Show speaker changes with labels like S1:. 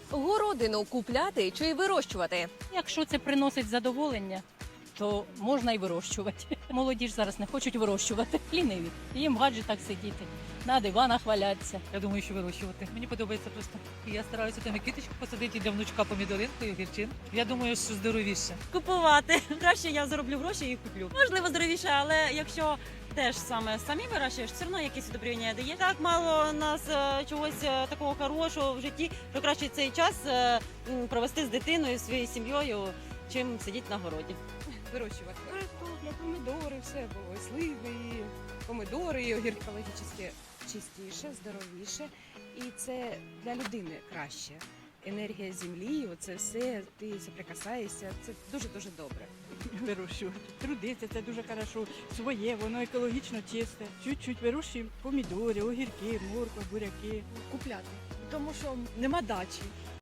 S1: Городину купляти чи вирощувати?
S2: Якщо це приносить задоволення, то можна і вирощувати. Молоді ж зараз не хочуть вирощувати, ліниві. Їм в гаджетах сидіти, на диванах валятися.
S3: Я думаю, що вирощувати. Мені подобається просто. Я стараюся там і квіточку посадити і для внучка помідоринку і огірчин. Я думаю, що здоровіше.
S4: Купувати. Краще я зароблю гроші і куплю. Можливо, здоровіше, але якщо теж саме самі вирощуєш, все одно якісь удобрення дає. Так мало у нас чогось такого хорошого в житті, що краще цей час провести з дитиною, своєю сім'єю, чим сидіти на городі.
S5: Вирощувати картопля, помідори, все було, і сливи, і помідори, і огірки. Екологічно чистіше, здоровіше, і це для людини краще. Енергія землі, оце все, ти соприкасаєшся, це дуже-дуже добре.
S6: Вирощувати. Трудиться, це дуже хорошо. Своє, воно екологічно чисте. Чуть-чуть вирощуємо помідори, огірки, морква, буряки.
S7: Купляти, тому що нема дачі.